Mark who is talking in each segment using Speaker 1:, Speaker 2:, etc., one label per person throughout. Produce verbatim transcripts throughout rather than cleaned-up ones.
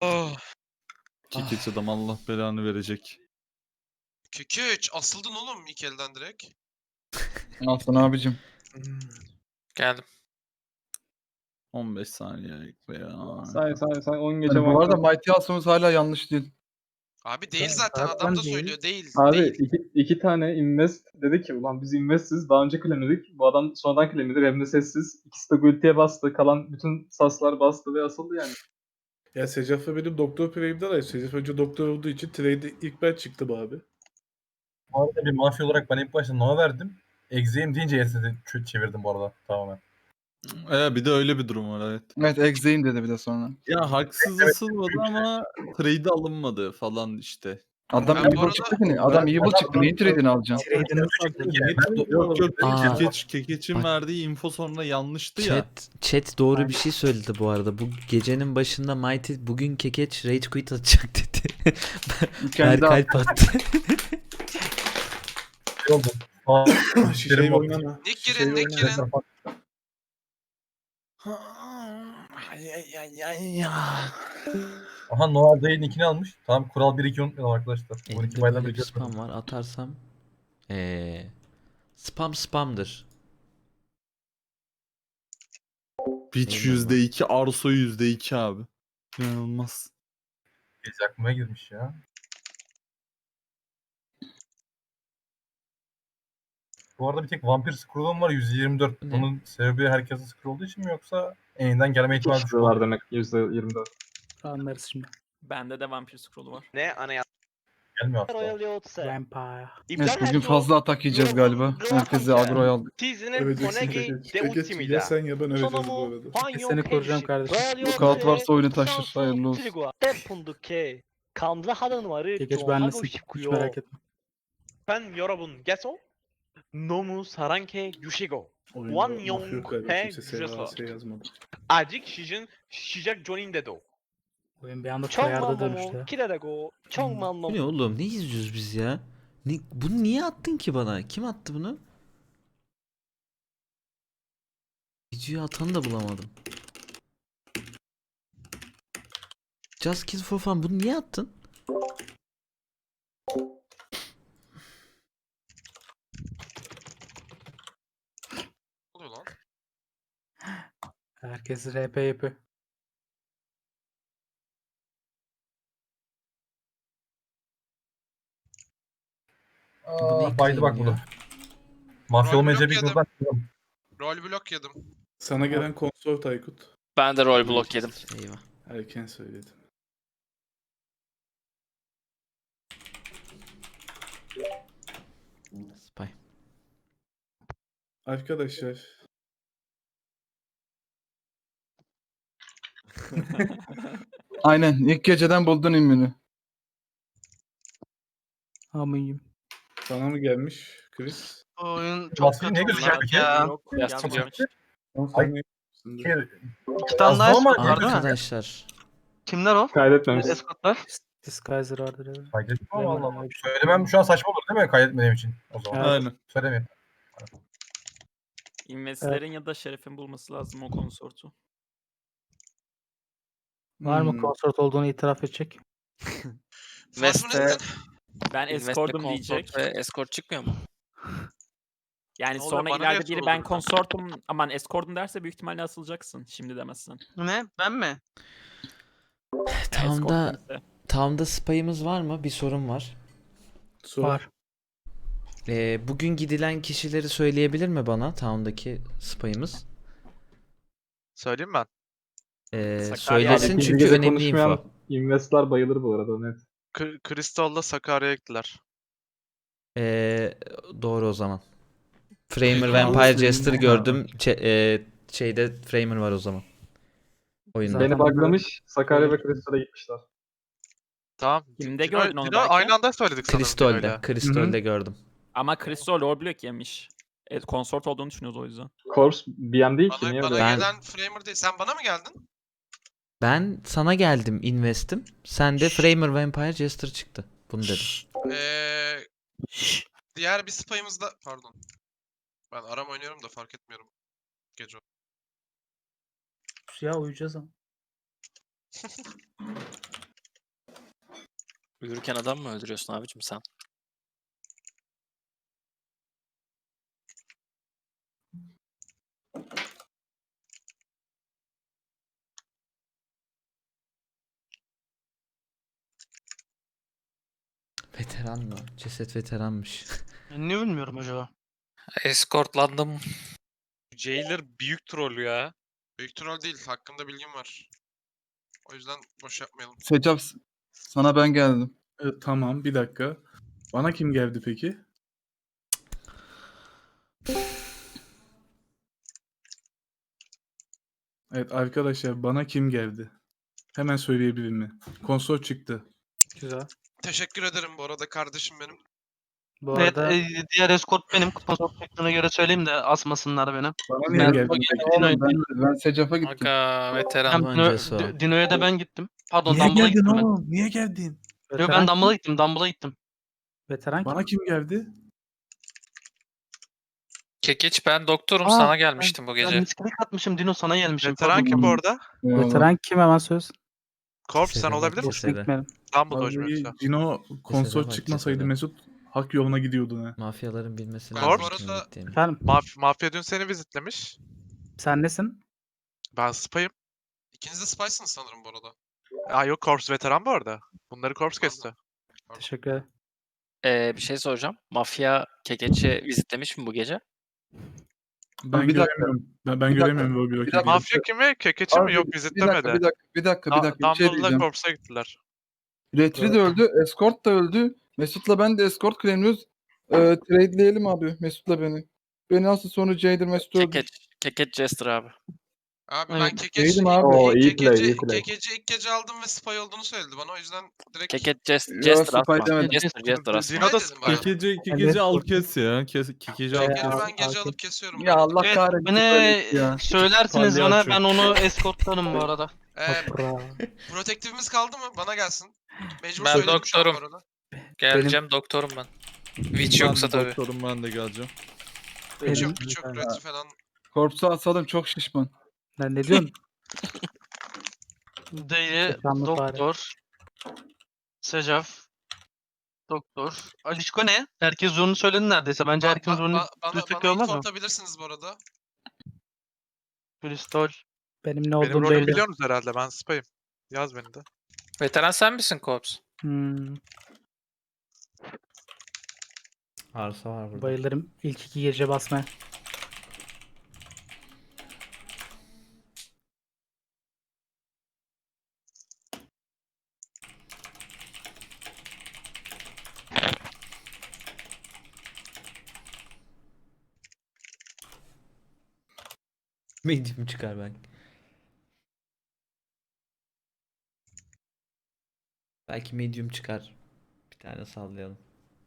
Speaker 1: Oh.
Speaker 2: Kekeç adam Allah belanı verecek.
Speaker 1: Kekeç asıldın oğlum ilk elden direkt.
Speaker 3: Aslan abicim.
Speaker 4: Geldim.
Speaker 2: on beş saniye veya.
Speaker 5: Say say say on geçe
Speaker 3: Yani bu arada
Speaker 5: bakalım.
Speaker 3: Mighty Asımız hala yanlış değil.
Speaker 1: Abi değil
Speaker 5: Zaten
Speaker 1: zaten adam da
Speaker 5: değil.
Speaker 1: söylüyor değil.
Speaker 5: Abi
Speaker 1: değil.
Speaker 5: iki, iki tane invest dedi ki ulan biz investiz daha önce claimledik. Bu adam sonradan claimledi hem de sessiz. İkisi de Guilty'ye bastı. Kalan bütün saslar bastı ve asıldı yani.
Speaker 6: Ya Secaf'la benim doktor play'imde var. Secaf önce doktor olduğu için trade'de ilk ben çıktım abi.
Speaker 7: Bu arada bir mafya olarak ben ilk başta Nova verdim. Exe'yim deyince Yes'e çevirdim bu arada tamamen.
Speaker 2: Ee, bir de öyle bir durum var evet.
Speaker 3: Evet Exe'yim dedi bir de sonra.
Speaker 2: Ya haksız ısılmadı ama trade alınmadı falan işte.
Speaker 3: Adam
Speaker 1: Ben bu
Speaker 3: evil
Speaker 1: arada-
Speaker 3: çıktı ki ne? Adam evil çıktı. Neyin trade'ini alacaksın?
Speaker 2: Yok yok
Speaker 8: Aa.
Speaker 2: Kekeç, Kekeç'in
Speaker 8: Bak.
Speaker 2: verdiği info sonra yanlıştı ya.
Speaker 8: Chat, chat doğru bir şey söyledi bu arada. Bu gecenin başında Mighty bugün Kekeç rage quit atacak dedi.
Speaker 3: Kendi
Speaker 8: Berkalp attı.
Speaker 7: Şey oldu. Aa,
Speaker 6: Şişeyi
Speaker 7: benim
Speaker 6: oynama.
Speaker 1: Nick
Speaker 6: Şişeyi
Speaker 1: girin, Nick
Speaker 6: oynama.
Speaker 1: girin.
Speaker 7: Aha Noah Day'in ikini almış. Tamam kural bir iki unutmayalım arkadaşlar. on iki
Speaker 8: Elimde
Speaker 7: baydan
Speaker 8: böyle bir
Speaker 7: bir
Speaker 8: spam var. Atarsam ee, spam spamdır.
Speaker 2: Pitch
Speaker 8: Eyvallah.
Speaker 2: yüzde iki, Arso yüzde iki abi. İnanılmaz.
Speaker 7: Gece aklıma girmiş ya. Bu arada bir tek vampir scroll'um var yüz yirmi dört.
Speaker 8: Ne?
Speaker 7: Bunun sebebi herkesin scroll olduğu için mi yoksa eniden gelme ihtimali düşük
Speaker 5: var
Speaker 7: oldu?
Speaker 5: demek yüzde yirmi dört.
Speaker 9: Anlarız şimdi.
Speaker 4: Bende de vampir scroll'u var.
Speaker 1: Ne anayasa?
Speaker 7: Gelmiyor aslında.
Speaker 10: Royal Yotse.
Speaker 9: Vampire.
Speaker 3: Evet bugün fazla atak yiyeceğiz galiba. Herkese agroya aldık.
Speaker 10: Tizinin
Speaker 6: Evet
Speaker 10: Onegi
Speaker 6: Kekeç.
Speaker 10: de
Speaker 6: Kekeç ya
Speaker 10: ultimida.
Speaker 6: sen ya ben öleceğiz bu
Speaker 10: Sonomu
Speaker 6: arada.
Speaker 10: Fanyon
Speaker 9: Seni koruyacağım kardeşim.
Speaker 3: Bu kağıt varsa oyunu taşır. Hayırlı olsun.
Speaker 10: Tepunduke. Kamla hadan varı.
Speaker 9: Geç benlesin. Hiç merak etme.
Speaker 10: Ben yorobun geso. Nomu saranke yushigo.
Speaker 6: Oyunda
Speaker 10: One
Speaker 6: mafya
Speaker 10: Young
Speaker 6: yok galiba,
Speaker 10: He
Speaker 6: kimse S A
Speaker 10: Juso.
Speaker 6: S yazmadı.
Speaker 10: Ajik Shijin Shijak Jonin dedo.
Speaker 9: Oyun bir anda
Speaker 10: Chongman
Speaker 9: kayarda dönüştü.
Speaker 10: momo kirarego. Chongman
Speaker 8: Bu
Speaker 10: momo.
Speaker 8: ne oğlum? Ne izliyoruz biz ya? Ne, bunu niye attın ki bana? Kim attı bunu? Videoyu atanı da bulamadım. Just Kill for Fun bunu niye attın?
Speaker 1: Ne oluyor lan?
Speaker 9: Herkes R P yapıyor.
Speaker 8: Bu ne
Speaker 7: Aa, baydı bak
Speaker 8: claim
Speaker 7: bunu.
Speaker 8: ya?
Speaker 7: Mafya
Speaker 1: Rol
Speaker 7: olmayınca
Speaker 1: blok
Speaker 7: bir
Speaker 1: yedim.
Speaker 7: gruptan çıkalım.
Speaker 1: Rol blok yedim.
Speaker 6: Sana gelen konsort Aykut.
Speaker 4: Ben de rol block yedim.
Speaker 8: Eyvah.
Speaker 6: Erken söyledim.
Speaker 8: Spy.
Speaker 6: Arkadaşlar.
Speaker 3: Aynen. İlk geceden buldun immünü.
Speaker 9: Amıyım.
Speaker 6: Sana mı gelmiş Chris?
Speaker 10: Oyun
Speaker 7: Mafya ne gözüküyor peki?
Speaker 4: Yok,
Speaker 7: Çok
Speaker 4: yazmamış.
Speaker 6: On
Speaker 7: Ay-
Speaker 6: saniye.
Speaker 7: Bir-
Speaker 10: İki
Speaker 7: tane daha
Speaker 10: var
Speaker 7: var mı?
Speaker 8: Arkadaşlar.
Speaker 10: Kimler o?
Speaker 5: Kaydetmemiş.
Speaker 10: Escortlar.
Speaker 9: Disguiser vardır evet.
Speaker 7: Kaydettim ama
Speaker 9: Bilemem,
Speaker 7: Allah Allah.
Speaker 9: öyle bir şey.
Speaker 7: Söylemem şu an saçma olur değil mi kaydetmediğim için o zaman?
Speaker 9: Evet.
Speaker 2: Aynen.
Speaker 7: Söylemeyeyim.
Speaker 4: İnvestlerin ya da Şeref'in bulması lazım o konsortu.
Speaker 9: Var mı
Speaker 6: Hmm.
Speaker 9: konsort olduğunu itiraf edecek?
Speaker 1: Flash mı dedin?
Speaker 4: Ben escortum diyecek.
Speaker 11: Ve escort çıkmıyor mu?
Speaker 4: Yani
Speaker 1: Ne oluyor,
Speaker 4: sonra
Speaker 1: bana niye
Speaker 4: ileride biri
Speaker 1: soruldu
Speaker 4: ben
Speaker 1: bu?
Speaker 4: konsortum aman escortum derse büyük ihtimalle asılacaksın. Şimdi demezsen.
Speaker 10: Ne? Ben mi?
Speaker 8: Town'da,
Speaker 4: Escort kimse.
Speaker 8: Town'da spy'ımız var mı? Bir sorun var.
Speaker 6: Sor.
Speaker 9: Var.
Speaker 8: Ee, bugün gidilen kişileri söyleyebilir mi bana? Town'daki spy'ımız.
Speaker 1: Söyleyeyim ben.
Speaker 8: Ee,
Speaker 4: Sakarya
Speaker 8: söylesin
Speaker 5: İkinci
Speaker 8: çünkü
Speaker 5: gece
Speaker 8: önemli
Speaker 5: konuşmayan
Speaker 8: info.
Speaker 5: investlar bayılır bu arada net.
Speaker 1: Kristal'la Sakarya'ya gittiler.
Speaker 8: Ee, doğru o zaman. Framer
Speaker 1: Peki,
Speaker 8: Vampire
Speaker 3: anlasın.
Speaker 8: Jester gördüm. Ç- e, şeyde Framer var o zaman. Oyunda.
Speaker 9: Zaten
Speaker 5: Beni buglamış. Sakarya ve Kristal'e gitmişler.
Speaker 1: Tamam.
Speaker 4: Kimde
Speaker 1: Dino-
Speaker 4: gördün onu
Speaker 1: Dino
Speaker 4: belki?
Speaker 1: aynı anda söyledik sanırım
Speaker 8: Kristol'de.
Speaker 1: Dino'yla.
Speaker 8: Kristol'de gördüm.
Speaker 4: Ama Crystal rol block yemiş. Evet, konsort olduğunu düşünüyoruz o yüzden.
Speaker 5: Corps B M değil ki.
Speaker 1: Bana,
Speaker 5: Niye
Speaker 1: bana
Speaker 5: öyle?
Speaker 8: Ben-
Speaker 1: gelen Framer değil. Sen bana mı geldin?
Speaker 8: Ben sana geldim investim. Sen de Framer Vampire Jester çıktı. Bunu dedim.
Speaker 1: Ee, diğer bir spy'ımız da... Pardon. Ben aram oynuyorum da fark etmiyorum. Gece.
Speaker 9: Ya uyuyacağız ama.
Speaker 4: Uyurken adam mı öldürüyorsun abicim sen?
Speaker 8: Veteran mı? Ceset veteranmış.
Speaker 10: Ben niye bilmiyorum acaba?
Speaker 4: Escortlandım. Jailer büyük troll ya.
Speaker 1: Büyük troll değil. Hakkında bilgim var. O yüzden boş yapmayalım.
Speaker 3: Secaf sana ben geldim.
Speaker 6: E, tamam bir dakika. Bana kim geldi peki? Evet arkadaşlar bana kim geldi? Hemen söyleyebilir mi? Konsol çıktı.
Speaker 9: Güzel.
Speaker 1: Teşekkür ederim bu arada kardeşim benim.
Speaker 9: Bu
Speaker 10: Evet,
Speaker 9: arada
Speaker 10: e, diğer escort benim. Sponsor şeklına göre söyleyeyim de asmasınlar beni.
Speaker 6: Bana niye
Speaker 10: Ben,
Speaker 6: geldi?
Speaker 3: Oğlum ben, ben Secaf'a gittim.
Speaker 4: Aga veteran.
Speaker 10: Hem Dino,
Speaker 8: Öncesi o.
Speaker 10: D- Dino'ya da ben gittim. Pardon
Speaker 6: Niye
Speaker 10: Dumble'a
Speaker 6: geldin
Speaker 10: gittim ben.
Speaker 6: oğlum? Niye geldin?
Speaker 10: Yo,
Speaker 9: veteran,
Speaker 10: ben Dumble'a gittim. Dumble'a gittim.
Speaker 9: veteran kim?
Speaker 6: Bana kim geldi?
Speaker 4: Kekeç ben doktorum
Speaker 10: Aa,
Speaker 4: sana gelmiştim bu
Speaker 10: Ben
Speaker 4: gece.
Speaker 10: misklik atmışım Dino sana gelmişim.
Speaker 11: Veteran kim bu arada?
Speaker 3: Eyvallah.
Speaker 9: Veteran kim hemen söz?
Speaker 11: Korp sen
Speaker 8: Cesede
Speaker 11: olabilir
Speaker 8: bak,
Speaker 11: misin?
Speaker 8: cesede.
Speaker 9: Gitmedim.
Speaker 11: Dumbledore
Speaker 6: Vallahi
Speaker 11: yoksa.
Speaker 6: Cino konsol
Speaker 8: bak,
Speaker 6: çıkmasaydı
Speaker 8: cesede.
Speaker 6: Mesut hak yoluna gidiyordun ha.
Speaker 8: Mafyaların bilmesi
Speaker 1: Ben
Speaker 11: Korp.
Speaker 1: bu
Speaker 8: lazım.
Speaker 1: arada
Speaker 8: gittiğimi.
Speaker 9: Efendim
Speaker 11: Maf Mafya dün seni vizitlemiş.
Speaker 9: sen nesin?
Speaker 11: Ben spayım.
Speaker 1: ikiniz de spysınız sanırım bu arada.
Speaker 11: Aa yok Korps veteran bu arada. Bunları Korps kesti.
Speaker 9: Teşekkür ederim.
Speaker 4: Ee, bir şey soracağım. Mafya Kekeç'i vizitlemiş mi bu gece?
Speaker 6: Ben
Speaker 3: Bir dakika.
Speaker 6: göremiyorum. Ben, ben
Speaker 3: Bir dakika.
Speaker 6: göremiyorum Robbie
Speaker 3: Bir
Speaker 6: Rock'i.
Speaker 3: dakika.
Speaker 11: Mafya kimi? Kekeç'i
Speaker 3: Abi,
Speaker 11: mi? Yok
Speaker 3: Bir dakika,
Speaker 11: vizitlemedi.
Speaker 3: bir dakika, bir dakika, bir
Speaker 11: Da-
Speaker 3: dakika. Bir şey
Speaker 11: Dumbledore'la
Speaker 3: diyeceğim.
Speaker 11: Korps'a gittiler.
Speaker 3: Retri de öldü, Escort da öldü. Mesut'la ben de Escort claimliyoruz. Ee, trade'leyelim abi Mesut'la beni. Beni asıl sonra Jailer Mesut öldü.
Speaker 4: Kekeç. Kekeç Jester abi.
Speaker 1: Abi
Speaker 10: Evet.
Speaker 1: ben kekeç
Speaker 3: Değilim
Speaker 1: ilk,
Speaker 3: abi.
Speaker 5: Oo,
Speaker 1: ilk,
Speaker 5: iyi play,
Speaker 1: kekeci,
Speaker 5: iyi play.
Speaker 1: kekeci ilk gece aldım ve spy olduğunu söyledi bana. O yüzden direkt
Speaker 4: Kekeç Jest-
Speaker 3: Yo,
Speaker 4: Jester
Speaker 3: Spy
Speaker 4: asma.
Speaker 3: demedim.
Speaker 4: Jester Jester asma.
Speaker 11: Dino da
Speaker 1: dedim bana.
Speaker 11: spy.
Speaker 2: Kekeci,
Speaker 9: Evet,
Speaker 2: kekeci al
Speaker 9: kork-
Speaker 2: kes ya. Kes, kekeci al
Speaker 9: Ee,
Speaker 1: Kekeci
Speaker 2: kes.
Speaker 9: al-
Speaker 1: ben gece
Speaker 9: al-
Speaker 1: alıp kesiyorum.
Speaker 3: Ya
Speaker 1: bu arada.
Speaker 3: Allah
Speaker 10: Evet,
Speaker 3: kahretsin.
Speaker 10: beni
Speaker 3: böyle ya.
Speaker 10: söylersiniz bana
Speaker 2: Palyaço.
Speaker 10: ben onu escortlarım bu arada.
Speaker 1: Ee,
Speaker 9: Toprağı.
Speaker 1: protektifimiz kaldı mı? Bana gelsin. Mecbur
Speaker 4: Ben
Speaker 1: söyledim şu an bu
Speaker 4: doktorum.
Speaker 1: arada.
Speaker 4: Geleceğim doktorum ben. Witch
Speaker 2: Ben
Speaker 4: yoksa
Speaker 2: de
Speaker 4: tabii.
Speaker 2: doktorum, ben de geleceğim.
Speaker 1: Hiç
Speaker 9: Benim-
Speaker 1: yok, hiç yok. Retri falan.
Speaker 3: Korps'u asalım çok şişman.
Speaker 9: Lan ne diyorsun?
Speaker 10: Dayı,
Speaker 9: Sefanlı fare.
Speaker 10: doktor, Secaf, doktor. Alişko ne? Herkes zorunu söyledi neredeyse. Bence
Speaker 1: Ba-
Speaker 10: herkesin
Speaker 1: ba-
Speaker 10: zorunu
Speaker 1: ba- bana,
Speaker 10: düzlük
Speaker 1: bana
Speaker 10: olmaz
Speaker 1: info
Speaker 10: mı?
Speaker 1: atabilirsiniz bu arada.
Speaker 10: Kristol.
Speaker 9: Benim ne
Speaker 11: Benim
Speaker 9: olduğum
Speaker 11: rolümü
Speaker 9: belli.
Speaker 11: biliyorsunuz herhalde. Ben spayım. Yaz beni de.
Speaker 4: Veteran sen misin Korps?
Speaker 9: Hmm,
Speaker 8: Arsa var burada.
Speaker 9: bayılırım ilk iki gece basmaya.
Speaker 8: Medium çıkar belki. Belki medium çıkar. Bir tane sallayalım.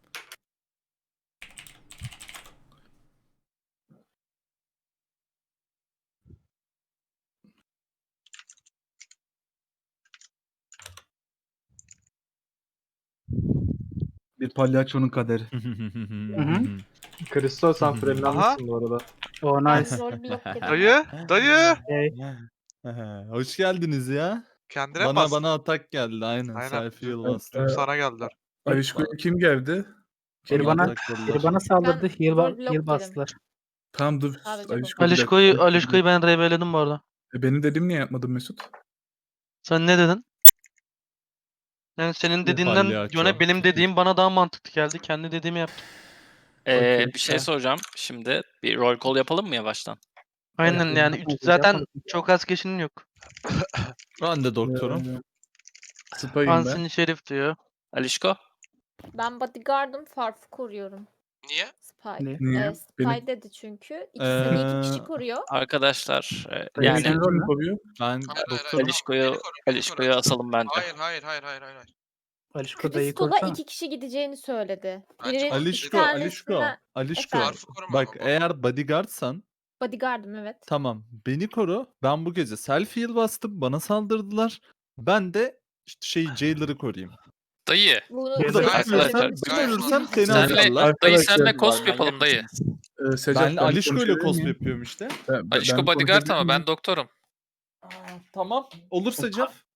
Speaker 3: Bir palyaçonun kaderi.
Speaker 9: hı.
Speaker 5: Kristal sen frenlenmişsin bu arada.
Speaker 9: Oh nice.
Speaker 11: Dayı! Dayı!
Speaker 9: Hey,
Speaker 2: Hoş geldiniz ya.
Speaker 11: Kendine mi
Speaker 2: Bana
Speaker 11: bastın?
Speaker 2: bana atak geldi aynen.
Speaker 11: Aynen.
Speaker 2: Selfie yıl
Speaker 6: Evet,
Speaker 2: bastım.
Speaker 6: evet.
Speaker 11: Sana geldiler.
Speaker 6: Alişko'ya kim geldi?
Speaker 9: biri
Speaker 2: Bana
Speaker 9: bana,
Speaker 2: atak geldiler.
Speaker 9: biri bana saldırdı. Heal, ba-
Speaker 12: roadblock
Speaker 9: heal
Speaker 12: yedim.
Speaker 9: bastılar.
Speaker 6: Tamam dur.
Speaker 12: Sadece bu.
Speaker 6: Alişko, bir
Speaker 10: Alişko'yu,
Speaker 6: dakika.
Speaker 10: Alişko'yu ben rebeledim bu arada.
Speaker 6: E, benim dediğim niye yapmadın Mesut?
Speaker 10: Sen ne dedin? Yani senin
Speaker 2: Bir
Speaker 10: dediğinden
Speaker 2: palyaço.
Speaker 10: yöne benim dediğim bana daha mantıklı geldi. Kendi dediğimi yaptım.
Speaker 4: Ee,
Speaker 9: Okey,
Speaker 4: bir şey
Speaker 9: tamam.
Speaker 4: soracağım. Şimdi bir roll call yapalım mı yavaştan?
Speaker 10: Aynen
Speaker 9: Yapalım,
Speaker 10: yani
Speaker 9: yapalım,
Speaker 10: üç- zaten
Speaker 9: yapalım.
Speaker 10: çok az kişinin yok.
Speaker 2: Ben de doktorum.
Speaker 6: Ee, Spy'ım ben.
Speaker 10: Ansini Şerif diyor.
Speaker 4: Alişko?
Speaker 12: Ben bodyguard'ım, Farf'ı koruyorum.
Speaker 1: Niye?
Speaker 12: Spy.
Speaker 9: Ne?
Speaker 6: Niye?
Speaker 12: Ee, Spy
Speaker 6: Benim-
Speaker 12: dedi çünkü. İkisini iki
Speaker 2: Ee,
Speaker 12: kişi koruyor.
Speaker 4: Arkadaşlar e,
Speaker 6: Benim
Speaker 4: yani
Speaker 6: için rol mü koruyor?
Speaker 2: Ben
Speaker 1: Hayır, hayır,
Speaker 2: doktorum.
Speaker 1: hayır.
Speaker 4: Alişko'yu
Speaker 1: Beni koru, beni
Speaker 4: Alişko'yu
Speaker 1: koru.
Speaker 4: asalım bence.
Speaker 1: Hayır, hayır, hayır, hayır, hayır, hayır.
Speaker 9: Alişko dayı
Speaker 12: Kristol'a
Speaker 9: korsana.
Speaker 12: iki kişi gideceğini söyledi.
Speaker 1: Bence
Speaker 12: Biri
Speaker 2: Alişko,
Speaker 12: bir
Speaker 2: Alişko,
Speaker 12: tanesinden-
Speaker 2: Alişko.
Speaker 12: Efendim?
Speaker 1: Farf'ı koruma
Speaker 2: Bak
Speaker 1: ama bu.
Speaker 2: eğer bodyguardsan
Speaker 12: Bodyguard'ım evet.
Speaker 2: tamam beni koru. Ben bu gece selfie yıl bastım. Bana saldırdılar. Ben de işte şey Jailer'ı koruyayım.
Speaker 4: Dayı.
Speaker 12: Bunu
Speaker 2: Burada
Speaker 1: Gayet
Speaker 2: ben ölürsem,
Speaker 1: mantıklı.
Speaker 2: ben
Speaker 1: Gayet
Speaker 2: ölürsem
Speaker 1: mantıklı.
Speaker 2: seni
Speaker 4: Senle,
Speaker 2: alırlar.
Speaker 4: dayı senle
Speaker 6: Arkadaşlar,
Speaker 4: cosp yapalım dayı.
Speaker 6: Ee, Secaf,
Speaker 2: Ben Alişko ile
Speaker 6: konuşabilir
Speaker 2: cosplay
Speaker 6: miyim?
Speaker 2: yapıyorum işte.
Speaker 6: Ben- ben-
Speaker 4: Alişko
Speaker 6: ben
Speaker 4: bodyguard
Speaker 6: konuşabilir
Speaker 4: ama
Speaker 6: miyim?
Speaker 4: ben doktorum.
Speaker 2: Tamam. Olursa Jeff.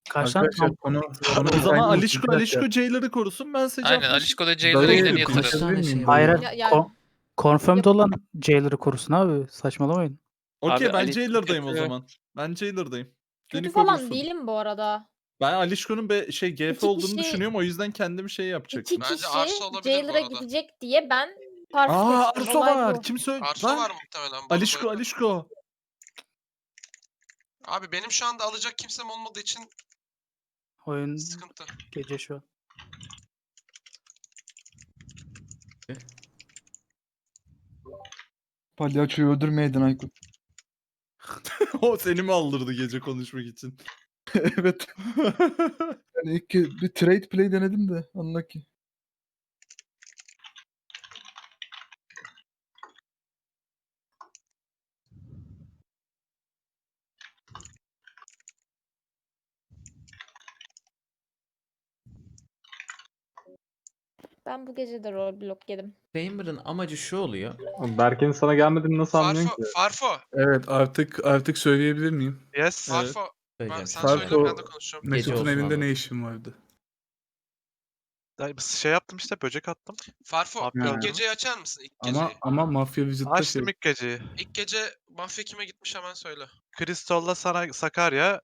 Speaker 9: Kaç tane
Speaker 3: Arkadaşlar konu, konu
Speaker 2: O zaman
Speaker 3: Aynen,
Speaker 2: Alişko
Speaker 3: bir dakika.
Speaker 2: Alişko Jailer'ı korusun. Ben Secaf'la
Speaker 11: Aynen Alişko da
Speaker 3: Dayı,
Speaker 11: Jailer'a gideni
Speaker 3: konuşabilir
Speaker 11: yatırır.
Speaker 8: Kaç tane
Speaker 3: miyim?
Speaker 8: şey var?
Speaker 9: Hayır,
Speaker 12: Ya- ya-
Speaker 9: kon- confirmed olan Jailer'ı korusun abi. Saçmalamayın.
Speaker 2: Okey
Speaker 4: Abi
Speaker 2: ben
Speaker 4: Alişko
Speaker 2: Jailer'dayım o
Speaker 4: kötü.
Speaker 2: zaman. Ben Jailer'dayım.
Speaker 12: Kötü
Speaker 2: Beni
Speaker 12: falan
Speaker 2: korusun.
Speaker 12: değilim bu arada.
Speaker 2: Ben Alişko'nun be şey G F
Speaker 12: İki
Speaker 2: olduğunu
Speaker 12: kişi-
Speaker 2: düşünüyorum. O yüzden kendim şey
Speaker 12: İki
Speaker 2: yapacaktım.
Speaker 1: Bence
Speaker 12: kişi
Speaker 1: Arso olabilir bu
Speaker 12: Jailer'a
Speaker 1: arada.
Speaker 12: gidecek diye ben Farf'ı
Speaker 2: Aa
Speaker 12: seçtim.
Speaker 2: Arso
Speaker 12: Olay
Speaker 2: var.
Speaker 12: bu.
Speaker 2: Kim söyledi?
Speaker 1: Arso
Speaker 2: Lan.
Speaker 1: var muhtemelen. bu
Speaker 2: Alişko
Speaker 1: arada.
Speaker 2: Alişko.
Speaker 1: Abi benim şu anda alacak kimsem olmadığı için
Speaker 9: Oyun
Speaker 1: sıkıntı.
Speaker 9: gece şu an.
Speaker 3: Palyaçoyu öldürmeydin Aykut.
Speaker 2: O seni mi aldırdı gece konuşmak için?
Speaker 3: Evet. Yani ilk kez bir trade play denedim de anla ki.
Speaker 12: Ben bu gece de roadblock yedim.
Speaker 8: Framer'ın amacı şu oluyor.
Speaker 5: Oğlum Berke'nin sana gelmediğini nasıl anlıyorsun
Speaker 1: Farfo,
Speaker 5: ki?
Speaker 1: Farfo,
Speaker 6: Evet artık artık söyleyebilir miyim?
Speaker 11: Yes.
Speaker 2: Evet.
Speaker 1: Farfo. Ben,
Speaker 8: Söyleyeceğim.
Speaker 1: sen
Speaker 6: Farfo-
Speaker 1: söyle ben de konuşacağım.
Speaker 6: Mesut'un
Speaker 8: olsun
Speaker 6: evinde
Speaker 8: abi.
Speaker 6: ne işin vardı?
Speaker 11: Dayı, Şey yaptım işte böcek attım.
Speaker 1: Farfo,
Speaker 11: Mafya
Speaker 1: ilk
Speaker 11: aldım.
Speaker 1: geceyi açar mısın? İlk
Speaker 6: Ama
Speaker 1: geceyi.
Speaker 6: ama mafya vizit'te
Speaker 11: Açtım
Speaker 6: şey.
Speaker 11: ilk geceyi.
Speaker 1: İlk gece mafya kime gitmiş hemen söyle.
Speaker 11: Crystal'la sana Sakarya.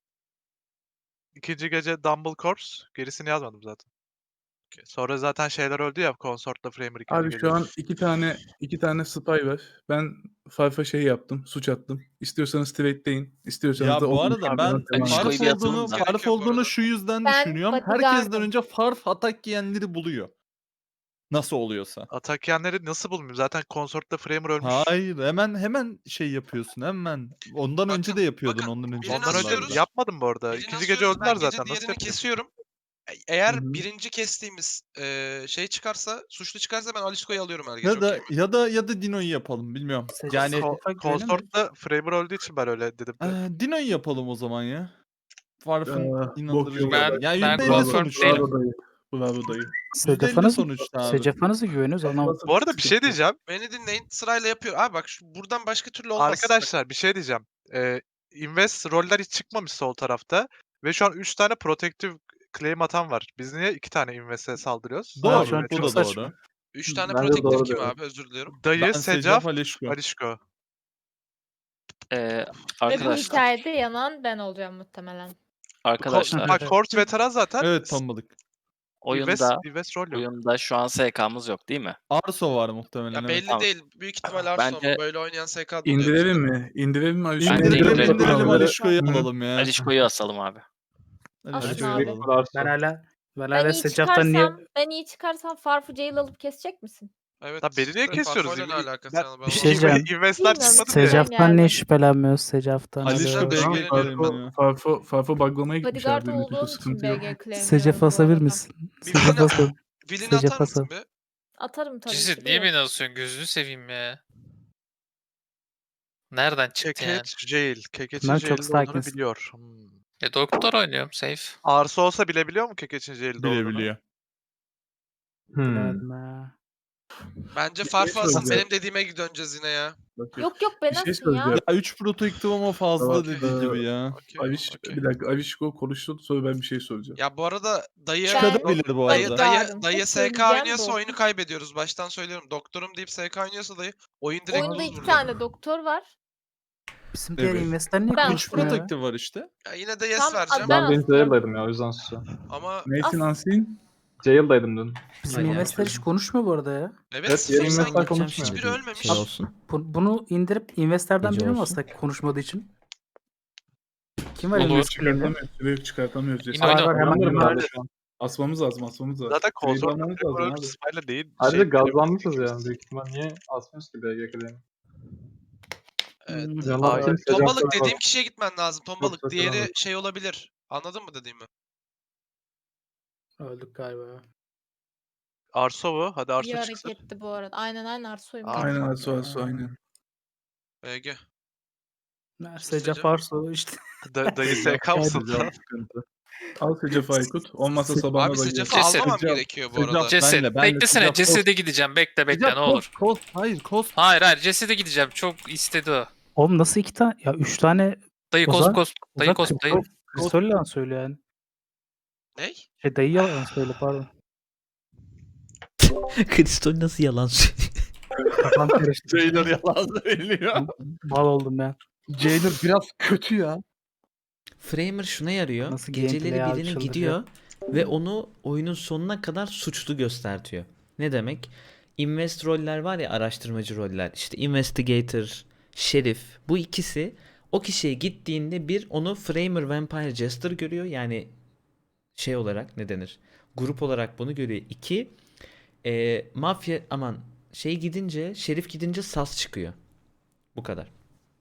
Speaker 11: İkinci gece Dumble Corps. Gerisini yazmadım zaten.
Speaker 1: Okey.
Speaker 11: Sonra zaten şeyler öldü ya. Consort'la Framer ikinci
Speaker 6: Abi
Speaker 11: gece.
Speaker 6: şu an iki tane iki tane spy var. Ben Farf'a şey yaptım, suç attım. İstiyorsanız trade'leyin, istiyorsanız
Speaker 2: Ya
Speaker 6: da
Speaker 2: bu
Speaker 6: open
Speaker 2: arada
Speaker 6: shotgun'a
Speaker 2: ben
Speaker 6: devam edin.
Speaker 4: Alişko'yu
Speaker 2: Farf
Speaker 4: bir atalım
Speaker 2: olduğunu,
Speaker 4: da.
Speaker 2: Farf
Speaker 1: Gerek yok bu
Speaker 2: olduğunu
Speaker 1: arada.
Speaker 2: şu yüzden
Speaker 12: Ben
Speaker 2: düşünüyorum.
Speaker 12: bodyguardım.
Speaker 2: Herkesten önce Farf atak yiyenleri buluyor. Nasıl oluyorsa.
Speaker 11: Atak yiyenleri nasıl bulmuyorum? Zaten Consort'la Framer ölmüş.
Speaker 2: Hayır hemen hemen şey yapıyorsun hemen. Ondan önce
Speaker 1: Bakın,
Speaker 2: de yapıyordun
Speaker 1: bakın,
Speaker 2: ondan önce.
Speaker 1: birini
Speaker 11: Ondan önce
Speaker 1: asıyoruz.
Speaker 11: yapmadım bu arada.
Speaker 1: Birini
Speaker 11: İkinci gece
Speaker 1: asıyoruz,
Speaker 11: öldüler
Speaker 1: ben
Speaker 11: zaten.
Speaker 1: Gece
Speaker 11: Nasıl
Speaker 1: diğerini
Speaker 11: yapayım?
Speaker 1: kesiyorum. E- Eğer
Speaker 6: Hı hı.
Speaker 1: birinci kestiğimiz e, şey çıkarsa, suçlu çıkarsa ben Alişko'yu alıyorum her gece.
Speaker 2: Ya da
Speaker 1: okey mi?
Speaker 2: ya da ya da Dino'yu yapalım bilmiyorum.
Speaker 9: Seç-
Speaker 2: Yani
Speaker 9: seç-
Speaker 11: Ko-
Speaker 9: Şafak güvenemiyor.
Speaker 11: Consort'la Framer öldüğü için ben öyle dedim. de.
Speaker 2: Ee, Dino'yu yapalım o zaman ya. Farf'ın
Speaker 6: Ee, bok
Speaker 2: inandırıcı.
Speaker 6: yok.
Speaker 11: Ben-
Speaker 2: Ben, yani
Speaker 11: ben
Speaker 2: yüzde elli
Speaker 11: confirm
Speaker 2: sonuçta.
Speaker 11: değilim.
Speaker 6: Bravo dayı. Bravo dayı.
Speaker 2: yüzde elli
Speaker 9: Secaf'a nasıl,
Speaker 2: sonuçta abi.
Speaker 9: Secaf'a nasıl güveniyoruz anlamadım.
Speaker 11: Bu arada bir şey diyeceğim.
Speaker 1: Beni dinleyin, sırayla yapıyor. Abi bak şu, buradan başka türlü olmaz.
Speaker 11: Arkadaşlar bir şey diyeceğim. Ee, Invest roller hiç çıkmamış sol tarafta. Ve şu an üç tane protective claim atan var. Biz niye iki tane Invest'e saldırıyoruz?
Speaker 2: Doğru.
Speaker 9: şu an
Speaker 2: Bu
Speaker 9: çok
Speaker 2: da
Speaker 9: saçma.
Speaker 2: doğru.
Speaker 1: Üç tane
Speaker 5: Bence
Speaker 1: protective
Speaker 5: doğru
Speaker 1: kim
Speaker 5: diyorum.
Speaker 1: abi? Özür diliyorum.
Speaker 11: Dayı,
Speaker 2: Ben
Speaker 11: Secaf,
Speaker 2: Secaf Alişko.
Speaker 11: Alişko.
Speaker 4: Ee,
Speaker 12: Ve bu
Speaker 4: arkadaşlar,
Speaker 12: hikayede yanan ben olacağım muhtemelen.
Speaker 4: arkadaşlar
Speaker 11: Bak Corps veteran zaten.
Speaker 2: Evet tombalık.
Speaker 11: Invest,
Speaker 4: oyunda
Speaker 11: Invest rol yok.
Speaker 4: oyunda şu an S K'mız yok değil mi?
Speaker 2: Arso var muhtemelen.
Speaker 1: Ya
Speaker 2: evet.
Speaker 1: belli
Speaker 4: Tamam.
Speaker 1: değil. Büyük ihtimal Arso ama
Speaker 4: Bence-
Speaker 1: böyle oynayan S K doluyor
Speaker 6: İndirelim
Speaker 1: bizde.
Speaker 6: mi? İndirelim mi? Alişko?
Speaker 4: Bence
Speaker 2: İndirelim
Speaker 4: indirelim.
Speaker 2: indirelim
Speaker 6: Tamam.
Speaker 2: Alişko'yu
Speaker 6: Hı.
Speaker 2: alalım ya.
Speaker 4: Alişko'yu asalım abi.
Speaker 12: Asın
Speaker 2: Alişko'yu
Speaker 12: abi.
Speaker 2: alalım.
Speaker 9: Ben hala ben
Speaker 12: Ben
Speaker 9: hala
Speaker 12: iyi
Speaker 9: Secaf'tan niye
Speaker 12: çıkarsam, ben iyi çıkarsam Farf'ı jail alıp kesecek misin?
Speaker 1: Evet.
Speaker 11: Lan beni niye
Speaker 1: işte
Speaker 11: kesiyoruz?
Speaker 1: Farfo'yla ne
Speaker 11: İn-
Speaker 1: alakası
Speaker 11: ben-
Speaker 1: yani? Ben
Speaker 9: Bir
Speaker 1: onu
Speaker 9: şey
Speaker 1: anlamadım.
Speaker 9: diyeceğim.
Speaker 11: Invest'ler
Speaker 12: Bilmiyorum.
Speaker 11: çıkmadı diye.
Speaker 12: Secaf-
Speaker 9: Secaf'tan niye şüphelenmiyoruz Secaf'tan?
Speaker 2: Alişko
Speaker 9: hadi.
Speaker 2: B G
Speaker 6: Tamam,
Speaker 2: claim
Speaker 6: Farfo,
Speaker 2: ya.
Speaker 6: Farfo, Farfo buglamaya gitmiş
Speaker 12: Bodyguard
Speaker 6: abi.
Speaker 12: olduğun için
Speaker 6: Sıkıntı
Speaker 12: B
Speaker 6: yok.
Speaker 12: G claimliyorum
Speaker 9: Secaf
Speaker 12: bu
Speaker 9: asabilir
Speaker 12: arada.
Speaker 9: misin?
Speaker 1: Bir
Speaker 9: Secaf
Speaker 1: Vilina-
Speaker 9: asabilir.
Speaker 1: Vilini
Speaker 9: Secaf
Speaker 1: atar mısın
Speaker 9: asıl.
Speaker 1: be?
Speaker 12: Atarım tabii
Speaker 11: Cisit
Speaker 12: ki
Speaker 11: niye
Speaker 12: de.
Speaker 11: beni asıyorsun? Gözünü seveyim ya. Nereden çıktı yani?
Speaker 1: Kekeç Jail. Kekeç'in
Speaker 9: Bunlar çok
Speaker 1: Jail'de olduğunu
Speaker 9: sakinsin.
Speaker 1: biliyor. Hmm.
Speaker 11: E doktor oynuyorum safe. Arsa olsa bilebiliyor mu Kekeç'in jail'de olduğunu?
Speaker 2: Bilebiliyor.
Speaker 5: Hmm.
Speaker 9: Bilemedim ha.
Speaker 1: Bence Farfo asın.
Speaker 6: söyleyeceğim.
Speaker 1: Benim dediğime döneceğiz yine ya.
Speaker 6: Bakın.
Speaker 12: Yok yok ben
Speaker 6: Bir şey
Speaker 12: asın ya.
Speaker 6: söyleyeceğim.
Speaker 2: Ya üç protective ama fazla
Speaker 6: Tamam,
Speaker 2: dediği
Speaker 6: ee,
Speaker 2: gibi ya.
Speaker 1: Okey,
Speaker 6: Aviş,
Speaker 1: okey.
Speaker 6: bir dakika Avişko konuştu sonra ben bir şey soracağım.
Speaker 1: Ya bu arada dayı
Speaker 12: Ben-
Speaker 2: Çıkabilir bu
Speaker 1: dayı
Speaker 2: arada.
Speaker 1: dayı
Speaker 12: Bodyguard'ım.
Speaker 1: dayı
Speaker 12: Tek
Speaker 1: S K
Speaker 12: söyleyeceğim
Speaker 1: oynuyorsa
Speaker 12: bu.
Speaker 1: oyunu kaybediyoruz. Baştan söylüyorum. Doktorum deyip S K oynuyorsa dayı oyun direkt
Speaker 12: Oyunda
Speaker 1: lose
Speaker 12: iki
Speaker 1: vuruyor.
Speaker 12: tane doktor var.
Speaker 9: Bizim diğer
Speaker 2: Evet.
Speaker 9: investler niye
Speaker 12: Ben-
Speaker 2: üç
Speaker 9: konuşmuyor ya?
Speaker 2: protective var işte.
Speaker 1: Ya yine de yes
Speaker 12: Tam
Speaker 1: vereceğim.
Speaker 12: Ben
Speaker 5: Ben dün
Speaker 12: astım.
Speaker 5: jail'daydım ya o yüzden susuyorum.
Speaker 1: Ama
Speaker 6: Neysin
Speaker 12: As-
Speaker 6: Ansin?
Speaker 5: Jail'daydım dün.
Speaker 9: Bizim
Speaker 8: Aynen.
Speaker 9: investler hiç konuşmuyor bu arada ya.
Speaker 1: evet,
Speaker 5: Evet,
Speaker 1: sıfır
Speaker 5: yarın
Speaker 1: sen
Speaker 5: mesela
Speaker 1: git.
Speaker 5: konuşmuyor.
Speaker 1: Hiçbiri ölmemiş.
Speaker 8: Şey olsun.
Speaker 9: Bu- bunu indirip investlerden
Speaker 8: Gece
Speaker 9: biri mi
Speaker 8: olsun.
Speaker 9: assak konuşmadığı için? Kim var
Speaker 11: Olur.
Speaker 9: invest claim'de?
Speaker 6: Çıkartamıyoruz. Süreyi çıkartamıyoruz.
Speaker 11: Yine
Speaker 6: Cesaret.
Speaker 11: oyna.
Speaker 9: Var, hemen
Speaker 5: Anlamıyorum
Speaker 9: hemen-
Speaker 5: ben de şu an.
Speaker 6: Asmamız lazım asmamız lazım.
Speaker 11: Zaten
Speaker 6: Süreyi
Speaker 11: konsol
Speaker 6: almamız lazım
Speaker 11: Framer
Speaker 6: abi.
Speaker 11: spy'la değil.
Speaker 5: Ayrıca
Speaker 11: şey-
Speaker 5: gazlanmışız yani büyük ihtimal. Niye asmıyoruz ki B G K'de?
Speaker 1: Evet.
Speaker 9: Hmm.
Speaker 5: Canlar
Speaker 11: Hayır.
Speaker 5: kim?
Speaker 1: Tombalık
Speaker 5: Secaf'tan
Speaker 1: dediğim
Speaker 5: bak.
Speaker 1: kişiye gitmen lazım. Tombalık.
Speaker 5: çok
Speaker 1: Diğeri
Speaker 5: selam.
Speaker 1: şey olabilir. Anladın mı dediğimi?
Speaker 9: Öldük galiba.
Speaker 11: Arso bu. Hadi
Speaker 12: İyi
Speaker 11: Arso çıksın.
Speaker 12: hareketti bu arada. Aynen aynen Arso'yum.
Speaker 11: Aa,
Speaker 6: Aynen Asu Asu aynen.
Speaker 1: B G.
Speaker 9: Secaf Arso işte.
Speaker 11: Da, dayı S K mısın?
Speaker 6: Sıcak sıkıntı. Al Secef Aykut. Olmazsa sabahına
Speaker 1: Abi
Speaker 6: da
Speaker 1: Secaf'ı
Speaker 6: gel.
Speaker 11: Ceset.
Speaker 1: almamam
Speaker 2: Secaf-
Speaker 1: gerekiyor bu
Speaker 2: Secaf-
Speaker 1: arada.
Speaker 2: Ceset.
Speaker 11: Ceset.
Speaker 2: Benle, benle
Speaker 11: Beklesene.
Speaker 2: Secaf
Speaker 11: Ceset'e gideceğim. Bekle bekle
Speaker 2: Secaf,
Speaker 11: ne olur.
Speaker 2: Kost, kost. Hayır kost.
Speaker 11: Hayır hayır Ceset'e gideceğim. Çok istedi o.
Speaker 9: Oğlum nasıl iki tane? Ya üç tane
Speaker 11: Dayı
Speaker 9: O
Speaker 11: kost
Speaker 9: zaman-
Speaker 11: kost.
Speaker 9: o
Speaker 11: Dayı
Speaker 9: zaman
Speaker 11: kost dayı.
Speaker 9: kristol, kristol yalan söylüyor yani.
Speaker 1: Ney?
Speaker 9: Şey dayı yalan söyle pardon.
Speaker 8: Kristol nasıl yalan söylüyor?
Speaker 9: Kafam karıştı.
Speaker 2: Jailer yalan söylüyor.
Speaker 9: Mal oldum ben.
Speaker 3: Jailer biraz kötü ya.
Speaker 8: Framer şuna yarıyor.
Speaker 9: Nasıl
Speaker 8: Geceleri
Speaker 9: gameplay abi,
Speaker 8: birini
Speaker 9: çıldıracak.
Speaker 8: gidiyor ve onu oyunun sonuna kadar suçlu göstertiyor. Ne demek? Invest roller var ya, araştırmacı roller. İşte investigator, şerif. Bu ikisi o kişiye gittiğinde bir onu Framer Vampire Jester görüyor. Yani şey olarak ne denir? Grup olarak bunu görüyor. İki, e, mafya aman şey gidince, şerif gidince sas çıkıyor. Bu kadar.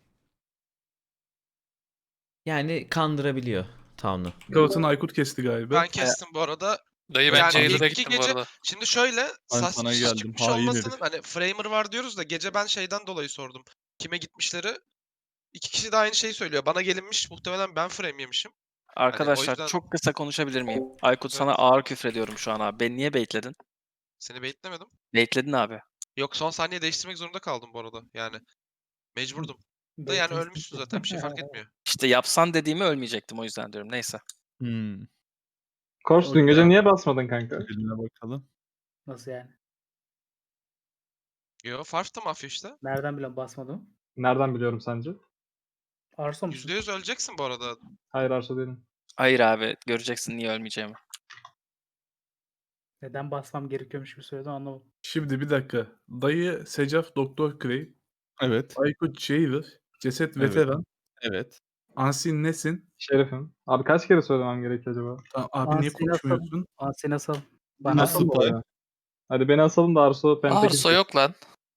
Speaker 8: Yani kandırabiliyor Town'u.
Speaker 6: Galatasaray Aykut kesti galiba.
Speaker 1: Ben kestim bu arada.
Speaker 10: Dayı ben
Speaker 1: Yani
Speaker 10: Jailer'a
Speaker 1: ilk iki
Speaker 10: gittim bu
Speaker 1: gece-
Speaker 10: arada.
Speaker 1: Şimdi şöyle
Speaker 2: Ben
Speaker 1: sas
Speaker 2: sana
Speaker 1: çıkış
Speaker 2: geldim,
Speaker 1: çıkmış
Speaker 2: hain
Speaker 1: olmasının
Speaker 2: herif.
Speaker 1: hani Framer var diyoruz da gece ben şeyden dolayı sordum. Kime gitmişleri? İki kişi de aynı şeyi söylüyor. Bana gelinmiş, muhtemelen ben frame yemişim.
Speaker 4: Arkadaşlar
Speaker 1: yüzden-
Speaker 4: çok kısa konuşabilir miyim? Aykut
Speaker 1: Evet.
Speaker 4: sana ağır küfrediyorum şu an abi. Beni niye baitledin?
Speaker 1: Seni baitlemedim.
Speaker 4: Baitledin abi.
Speaker 1: Yok, son saniye değiştirmek zorunda kaldım bu arada. Yani mecburdum. Da yani ölmüşsün zaten, bir şey fark etmiyor.
Speaker 4: İşte yapsan dediğimi ölmeyecektim, o yüzden diyorum. Neyse.
Speaker 2: Hmm.
Speaker 5: Kors dün
Speaker 2: Okey
Speaker 5: gece
Speaker 2: abi.
Speaker 5: niye basmadın kanka?
Speaker 2: Birine bakalım.
Speaker 9: Nasıl yani?
Speaker 1: Yo, Farf da mafya işte.
Speaker 9: Nereden bilen basmadım?
Speaker 5: Nereden biliyorum sence?
Speaker 9: Arso musun?
Speaker 1: yüzde yüz öleceksin bu arada.
Speaker 5: Hayır Arsa değilim.
Speaker 4: Hayır abi, göreceksin niye ölmeyeceğimi.
Speaker 9: Neden basmam gerekiyormuş gibi söyledin anlamadım.
Speaker 6: Şimdi bir dakika. Dayı Secaf Doktor Clay,
Speaker 2: Evet.
Speaker 6: Aykut Jailer, Ceset
Speaker 2: Evet.
Speaker 6: Veteran,
Speaker 2: Evet.
Speaker 6: Ansin Nesin.
Speaker 5: Şerifim. Abi kaç kere söylemem gerekiyor acaba?
Speaker 6: Aa, Abi niye
Speaker 9: Ansin
Speaker 6: konuşmuyorsun?
Speaker 9: Ansin asal.
Speaker 2: Bana
Speaker 9: Bana
Speaker 5: Nasıl bu
Speaker 2: Spy.
Speaker 5: ya? Hadi beni asalım da Arso Pentakil.
Speaker 10: Arso yok lan.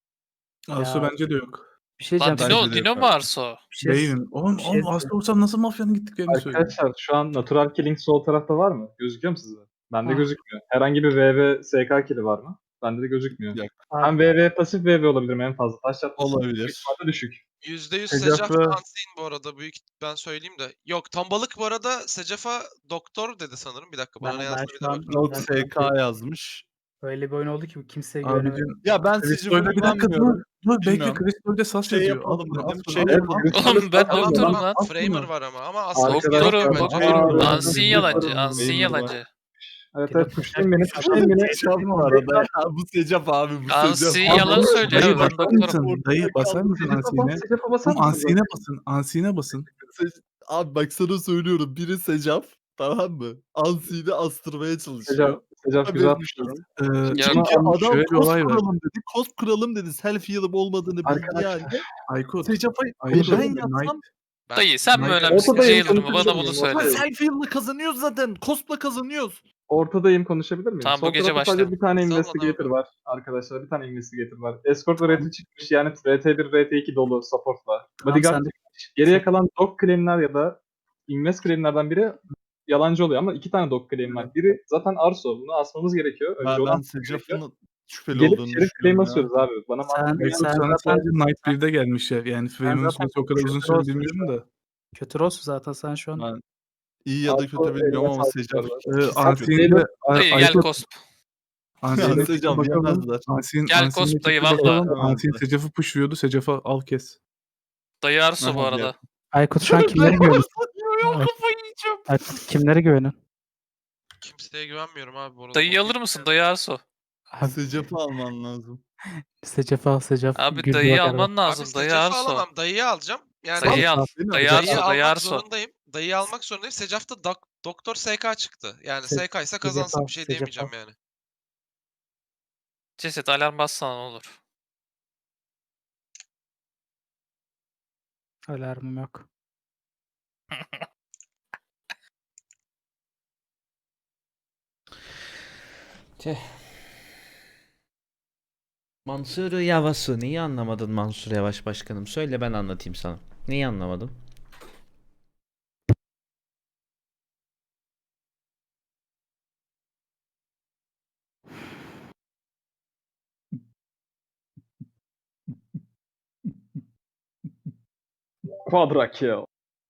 Speaker 6: Arso
Speaker 9: Ya.
Speaker 6: bence de yok.
Speaker 9: bir şey
Speaker 10: Lan
Speaker 9: diyeceğim.
Speaker 10: Dino,
Speaker 2: Bence de
Speaker 10: Dino
Speaker 2: yok
Speaker 10: mu
Speaker 2: abi.
Speaker 10: Arso?
Speaker 9: Bir şey,
Speaker 6: Değilim. Oğlum,
Speaker 9: bir şey
Speaker 6: oğlum Arso olsam nasıl mafyanın gittiklerini söylüyor.
Speaker 5: Arkadaşlar şu an Natural Killing sol tarafta var mı? Gözüküyor mu size? Bende
Speaker 9: Ah.
Speaker 5: gözükmüyor. Herhangi bir V V S K kili var mı? Bende de gözükmüyor.
Speaker 2: Yok.
Speaker 5: Ben V V pasif V V olabilirim en fazla. Taş çatlasın.
Speaker 2: Olabilir.
Speaker 5: Büyük ihtimalle düşük.
Speaker 1: yüzde yüz
Speaker 6: Secaf
Speaker 1: Secaf
Speaker 6: ve-
Speaker 1: ve Unseen bu arada. Büyük ben söyleyeyim de. Yok, Tombalık bu arada Secaf'a doktor dedi sanırım. Bir dakika, bana
Speaker 9: Ben-
Speaker 1: ne
Speaker 9: ben
Speaker 1: yazdığını
Speaker 9: şu
Speaker 1: bir de
Speaker 9: an-
Speaker 1: bakayım.
Speaker 2: Yok
Speaker 9: Ben-
Speaker 2: S K yazmış.
Speaker 9: öyle bir oyun oldu ki kimseye güvenemedim.
Speaker 6: Abicim
Speaker 2: Ya ben
Speaker 6: Crystal'de
Speaker 2: Secaf'a
Speaker 6: bir dakika dur.
Speaker 2: güvenmiyorum.
Speaker 6: Dur bekle,
Speaker 2: Bilmiyorum.
Speaker 6: Crystal'de sas
Speaker 2: Şey
Speaker 6: yazıyor.
Speaker 2: yapalım
Speaker 6: Al bunu,
Speaker 2: dedim,
Speaker 6: al bunu,
Speaker 2: şey
Speaker 6: al
Speaker 5: yapalım.
Speaker 6: bunu, al
Speaker 5: Evet,
Speaker 6: bunu.
Speaker 10: Oğlum ben
Speaker 5: Tamam,
Speaker 10: doktorum
Speaker 5: tamam.
Speaker 10: lan.
Speaker 6: Al
Speaker 1: Framer
Speaker 6: bunu.
Speaker 1: var ama ama asla
Speaker 5: Arkadaşlar,
Speaker 10: Doktorum,
Speaker 5: bence-
Speaker 10: doktorum.
Speaker 5: Aa,
Speaker 10: Ansin
Speaker 5: evet,
Speaker 10: yalancı,
Speaker 5: evet,
Speaker 10: Ansin
Speaker 2: evet.
Speaker 10: yalancı.
Speaker 5: Evet evet pushlayın beni. Pushlayın beni.
Speaker 2: Secaf bu arada ya. Bu Secaf abi, bu Secaf.
Speaker 10: Ansin
Speaker 6: Abi,
Speaker 10: yalan söylüyor
Speaker 6: Dayı
Speaker 10: abi, ben
Speaker 6: basar
Speaker 10: doktorum.
Speaker 6: mısın? Dayı basar mısın
Speaker 5: Secaf'a
Speaker 6: Ansin'e?
Speaker 5: bas, Secaf'a basar
Speaker 6: Oğlum
Speaker 5: mısın?
Speaker 6: Ansin'e basın. Ansin'e basın.
Speaker 2: Se- Abi bak sana söylüyorum. Biri Secaf, tamam mı? Ansi'yi astırmaya çalışıyor.
Speaker 5: Secaf, Secaf güzel
Speaker 2: Haberin
Speaker 5: pushluyorum.
Speaker 6: Ee,
Speaker 10: Ya-
Speaker 2: Çünkü
Speaker 6: ama
Speaker 2: adam
Speaker 6: şöyle bir
Speaker 2: kost
Speaker 6: olay var.
Speaker 2: kuralım dedi. Kost kuralım dedi. Self heal'ım olmadığını bildiği
Speaker 5: Arkadaşlar,
Speaker 2: halde
Speaker 6: Aykut.
Speaker 2: Secaf'a
Speaker 6: Aykut.
Speaker 2: ben
Speaker 6: Knight.
Speaker 2: yatsam
Speaker 1: Ben-
Speaker 10: Dayı sen mi
Speaker 6: Ortadayım,
Speaker 10: önemlisin
Speaker 5: ortadayım,
Speaker 10: Jailer mı? Bana
Speaker 5: konuşuyorum,
Speaker 10: bunu
Speaker 5: ortadayım.
Speaker 10: söyle.
Speaker 2: self heal'la kazanıyoruz zaten. Cost'la kazanıyoruz.
Speaker 5: Ortadayım, konuşabilir miyim?
Speaker 10: Tamam, bu
Speaker 5: Sol
Speaker 10: gece
Speaker 5: tarafta sadece
Speaker 10: başlayalım.
Speaker 5: bir tane
Speaker 1: Sal bana
Speaker 5: investigator
Speaker 1: bakalım.
Speaker 5: var arkadaşlar. Bir tane investigator var. Escort ve R T çıkmış, yani R T bir, R T iki dolu supportla.
Speaker 9: Tamam,
Speaker 5: Bodyguard
Speaker 9: sen de-
Speaker 5: çıkmış. Geriye kalan dog claim'ler ya da invest claim'lerden biri yalancı oluyor ama iki tane dog claim var. Biri zaten Arso. Bunu asmamız gerekiyor. Önce
Speaker 2: Ben,
Speaker 5: onu
Speaker 2: ben
Speaker 5: asmamız gerekiyor.
Speaker 2: Secaf'ın şüpheli
Speaker 5: Gelip
Speaker 2: olduğunu
Speaker 5: şerif claim
Speaker 2: düşünüyorum ya.
Speaker 5: asıyoruz abi. Bana
Speaker 9: Sen-
Speaker 5: mantıklı
Speaker 6: Aykut
Speaker 9: sen
Speaker 6: sana
Speaker 9: zaten-
Speaker 6: sadece Night birde gelmiş ya. Yani Framer'ın
Speaker 9: zaten
Speaker 6: süresi o kadar uzun
Speaker 9: kötü
Speaker 6: süre
Speaker 9: olsun
Speaker 6: bilmiyorum da.
Speaker 9: Kötü olsun zaten sen şu an.
Speaker 2: Ben iyi ya da
Speaker 5: Arso
Speaker 2: kötü bilmiyorum
Speaker 5: eline
Speaker 2: ama
Speaker 5: sağlık
Speaker 2: Secaf
Speaker 5: bu
Speaker 6: Ee,
Speaker 2: ikisi
Speaker 6: Ansin'in
Speaker 2: kötü.
Speaker 6: de
Speaker 10: Dayı gel
Speaker 6: Aykut,
Speaker 10: Kosp.
Speaker 6: Ansin'e
Speaker 2: Secaf
Speaker 6: bakalım.
Speaker 2: yemezler.
Speaker 6: Ansin,
Speaker 10: Gel
Speaker 6: Ansin'e
Speaker 10: Kosp dayı,
Speaker 6: bakalım.
Speaker 10: valla.
Speaker 6: Ansin
Speaker 2: Yemezler.
Speaker 6: Secaf'ı pushluyordu. Secaf'ı al kes.
Speaker 10: Dayı Arso bu
Speaker 2: Aha,
Speaker 10: arada.
Speaker 9: Aykut şu an kimlere güveniyorsun?
Speaker 2: Ya kafayı yiyeceğim.
Speaker 9: Aykut kimlere güveniyorsun?
Speaker 1: Kimseye güvenmiyorum abi bu arada.
Speaker 10: Dayıyı alır mısın? Dayı Arso.
Speaker 9: Abi
Speaker 2: Secaf'ı alman lazım.
Speaker 9: Secef al Secef.
Speaker 10: Abi
Speaker 9: güldü
Speaker 10: dayıyı
Speaker 9: bak arada.
Speaker 10: alman
Speaker 1: Abi
Speaker 10: lazım. Dayı
Speaker 1: Secaf'ı
Speaker 10: Arso.
Speaker 1: alamam. Dayıyı alacağım. Yani
Speaker 10: Dayıyı al.
Speaker 2: Beni
Speaker 10: Dayı
Speaker 2: alacak.
Speaker 1: dayıyı
Speaker 10: Arso. Dayı
Speaker 1: almak
Speaker 10: Arso.
Speaker 1: zorundayım. Dayıyı almak zorundayım. Secaf'ta dok- Doktor S K çıktı. Yani
Speaker 9: Se-
Speaker 1: S K ise
Speaker 9: Secaf
Speaker 1: kazansın,
Speaker 9: al,
Speaker 1: bir şey
Speaker 9: Secaf
Speaker 1: diyemeyeceğim
Speaker 9: al.
Speaker 1: yani.
Speaker 10: Ceset alarm bassana ne olur.
Speaker 9: Alarmım yok.
Speaker 8: Tüh. Mansur Yavaş'ı neyi anlamadın Mansur Yavaş başkanım? Söyle ben anlatayım sana. Neyi anlamadın?
Speaker 5: Quadra kill.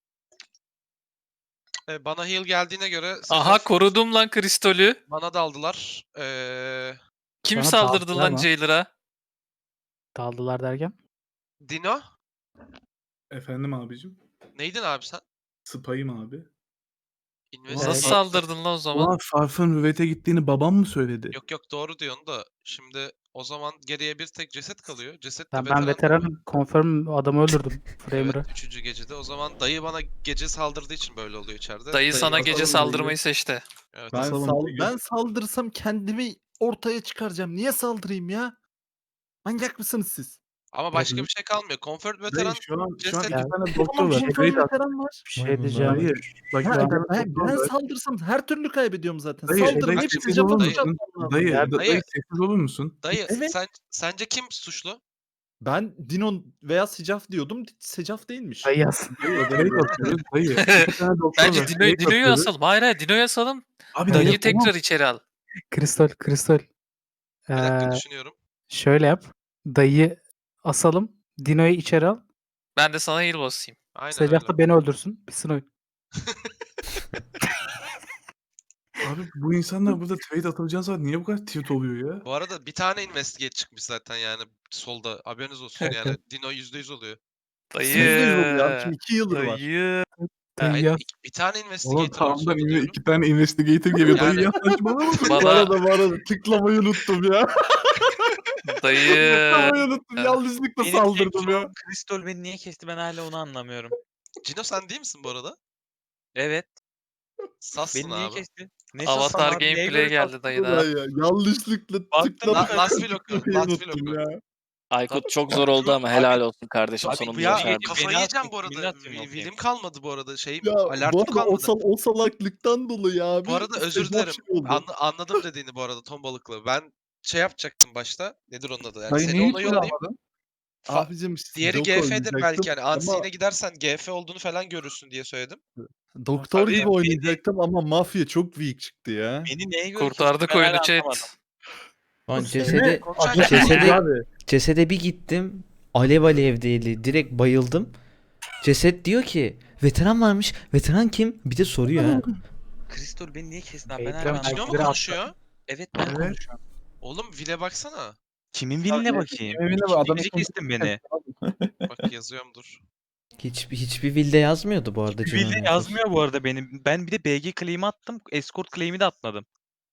Speaker 1: E, bana heal geldiğine göre
Speaker 10: Aha
Speaker 1: Secaf-
Speaker 10: korudum lan Kristol'ü.
Speaker 1: bana daldılar. Ee,
Speaker 10: Kim
Speaker 9: Sana
Speaker 10: saldırdı
Speaker 9: daldılar
Speaker 10: lan
Speaker 9: mı?
Speaker 10: Jailer'a?
Speaker 9: Daldılar derken.
Speaker 1: Dino?
Speaker 6: Efendim abicim.
Speaker 1: Neydin abi sen?
Speaker 6: Spy'ım abi.
Speaker 1: Invest
Speaker 4: Nasıl saldırdın lan o zaman?
Speaker 6: Ulan Farf'ın rüvete gittiğini babam mı söyledi?
Speaker 1: Yok yok doğru diyorsun da şimdi o zaman geriye bir tek ceset kalıyor. Ceset de
Speaker 9: Ben, ben
Speaker 1: veteran.
Speaker 9: veteranım. Confirm adamı öldürdüm. Framer'ı.
Speaker 1: Evet, üçüncü gecede. O zaman dayı bana gece saldırdığı için böyle oluyor içeride.
Speaker 4: Dayı sana
Speaker 6: asalım
Speaker 4: gece
Speaker 6: dayıyı.
Speaker 4: saldırmayı seçti.
Speaker 1: Evet.
Speaker 2: Ben,
Speaker 6: Basalım
Speaker 2: sal
Speaker 6: bir gün.
Speaker 2: ben saldırsam kendimi ortaya çıkaracağım. Niye saldırayım ya? Manyak mısınız siz?
Speaker 1: Ama başka bir şey kalmıyor. Comfort
Speaker 6: Dayı
Speaker 1: veteran
Speaker 6: şu an, şu an
Speaker 1: ceset-
Speaker 6: iki tane
Speaker 2: Tamam,
Speaker 6: doktor var.
Speaker 2: confirm
Speaker 6: Trade at.
Speaker 2: veteran var.
Speaker 9: Bir şey diyeceğim.
Speaker 6: Dayı. Bak
Speaker 2: Ha,
Speaker 6: iki tane
Speaker 2: ben,
Speaker 6: doktor
Speaker 2: ben
Speaker 6: var.
Speaker 2: saldırsam her türlü kaybediyorum zaten.
Speaker 6: Dayı,
Speaker 2: Saldırın
Speaker 6: dayı,
Speaker 2: hepsi
Speaker 6: sessiz
Speaker 2: cevap
Speaker 6: olur
Speaker 1: musun?
Speaker 2: atacağım lazım.
Speaker 6: Dayı,
Speaker 9: Ya,
Speaker 6: da-
Speaker 1: dayı-
Speaker 6: dayı sessiz olur musun?
Speaker 1: Dayı
Speaker 2: Evet.
Speaker 1: sen sence kim suçlu?
Speaker 2: Ben Dino veya Secaf diyordum. Secaf değilmiş.
Speaker 9: Ay yaz.
Speaker 6: Dayı, trade atıyoruz. Dayı. İki tane doktor
Speaker 4: Bence
Speaker 6: var.
Speaker 4: Dino,
Speaker 6: Trade
Speaker 4: Dino'yu
Speaker 6: atıyoruz.
Speaker 4: asalım. Hayır hayır Dino'yu asalım.
Speaker 6: Abi
Speaker 4: Dayıyı
Speaker 6: dayı
Speaker 4: tekrar içeri al.
Speaker 9: Kristal, kristal.
Speaker 1: Bir dakika
Speaker 9: Ee,
Speaker 1: düşünüyorum.
Speaker 9: şöyle yap. Dayı asalım. Dino'yu içeri al.
Speaker 4: Ben de sana heal basayım.
Speaker 1: Aynen
Speaker 9: Secaf
Speaker 1: öyle.
Speaker 9: da beni öldürsün. Bitsin oyun.
Speaker 6: Abi bu insanlar burada trade atılacağı zaman niye bu kadar tilt oluyor ya?
Speaker 1: Bu arada bir tane investigate çıkmış zaten yani solda. Haberiniz olsun yani. Dino yüzde yüz oluyor.
Speaker 4: Dayı.
Speaker 2: Yüzde yüz oluyor abi. Şimdi iki yıldır var.
Speaker 4: Dayı.
Speaker 9: Dayı
Speaker 1: Hayır,
Speaker 9: yaz.
Speaker 1: iki- bir tane
Speaker 6: Oğlum
Speaker 1: investigator var
Speaker 6: tamamdan
Speaker 1: solda
Speaker 6: inve-
Speaker 1: diyorum.
Speaker 6: iki tane investigator geliyor. Dayı
Speaker 1: Yani-
Speaker 6: ya saçmalama.
Speaker 2: Bu
Speaker 4: Bana
Speaker 2: arada bu arada tıklamayı unuttum ya.
Speaker 4: dayı.
Speaker 2: Tıklamayı unuttum. Yanlışlıkla saldırdım ya.
Speaker 13: Kristol beni niye kesti ben hala onu anlamıyorum.
Speaker 1: Cino sen değil misin bu arada?
Speaker 13: Evet.
Speaker 1: Sassın
Speaker 13: Beni niye
Speaker 1: abi.
Speaker 13: kesti? Ne
Speaker 4: Avatar
Speaker 13: sassam abi, neye
Speaker 4: gameplay
Speaker 13: göre
Speaker 4: geldi
Speaker 13: sassam?
Speaker 4: dayı
Speaker 2: Ulan
Speaker 4: da.
Speaker 2: ya, yanlışlıkla
Speaker 13: Baktım
Speaker 2: tıklamayı
Speaker 1: La- Last will oku.
Speaker 2: unuttum
Speaker 1: Last will oku.
Speaker 2: ya.
Speaker 4: Aykut
Speaker 1: Tabii.
Speaker 4: çok zor oldu ama helal olsun kardeşim
Speaker 1: Abi
Speaker 4: sonunda
Speaker 1: bu ya
Speaker 4: başardın.
Speaker 1: kafayı
Speaker 13: Beni
Speaker 1: yiyeceğim bu
Speaker 13: atmayın,
Speaker 1: arada.
Speaker 13: beni atmayın,
Speaker 1: Wi-
Speaker 13: okey.
Speaker 1: Willim kalmadı bu arada. Şeyim
Speaker 2: Ya bu
Speaker 1: alertim
Speaker 2: arada o,
Speaker 1: kalmadı.
Speaker 2: sal o salaklıktan dolayı abi.
Speaker 1: Bu arada özür
Speaker 2: Secaf
Speaker 1: dilerim.
Speaker 2: şey oldu.
Speaker 1: Anla- anladım dediğini bu arada ton balıklı. Ben şey yapacaktım başta. Nedir onun adı? Yani
Speaker 3: Dayı
Speaker 1: seni
Speaker 3: niye
Speaker 1: ona
Speaker 3: hiç
Speaker 1: yollayayım.
Speaker 3: almadın?
Speaker 1: Fa-
Speaker 2: Abicim
Speaker 1: Diğeri
Speaker 2: Doku
Speaker 1: G F'dir
Speaker 2: oynayacaktım
Speaker 1: belki yani.
Speaker 2: ama
Speaker 1: Unseen'e gidersen G F olduğunu falan görürsün diye söyledim.
Speaker 2: doktor
Speaker 13: Abi,
Speaker 2: gibi
Speaker 13: beni-
Speaker 2: oynayacaktım ama mafya çok weak çıktı ya.
Speaker 13: Beni neye göre
Speaker 4: Kurtardık
Speaker 13: kesti ben hala
Speaker 4: oyunu
Speaker 13: anlamadım.
Speaker 4: chat.
Speaker 8: Lan
Speaker 3: Seni
Speaker 8: cesede,
Speaker 3: ateş
Speaker 8: cesede,
Speaker 3: ediyor abi.
Speaker 8: cesede bir gittim. Alev alevdeydi. Direkt bayıldım. Ceset diyor ki veteran varmış. Veteran kim? Bir de soruyor ha.
Speaker 13: Kristol beni niye kesti abi ben
Speaker 9: Ekrem
Speaker 13: hala
Speaker 1: Abi Cino mu
Speaker 13: anlamadım.
Speaker 9: Biri
Speaker 1: konuşuyor?
Speaker 13: Evet ben
Speaker 6: Evet.
Speaker 13: konuşuyorum.
Speaker 1: Oğlum Vile baksana.
Speaker 13: Kimin biline
Speaker 3: Ya,
Speaker 13: bakayım?
Speaker 3: kimin biline
Speaker 13: İkinci
Speaker 3: bak, adamın
Speaker 13: gece
Speaker 3: sonucu-
Speaker 13: kestin beni.
Speaker 1: Bak yazıyorum dur.
Speaker 8: Hiçbir hiçbir vilde yazmıyordu bu arada.
Speaker 13: Bir
Speaker 8: Cino'nun
Speaker 13: bilde
Speaker 8: infosu.
Speaker 13: yazmıyor bu arada benim. Ben bir de B G claim'i attım. Escort claim'i de atmadım.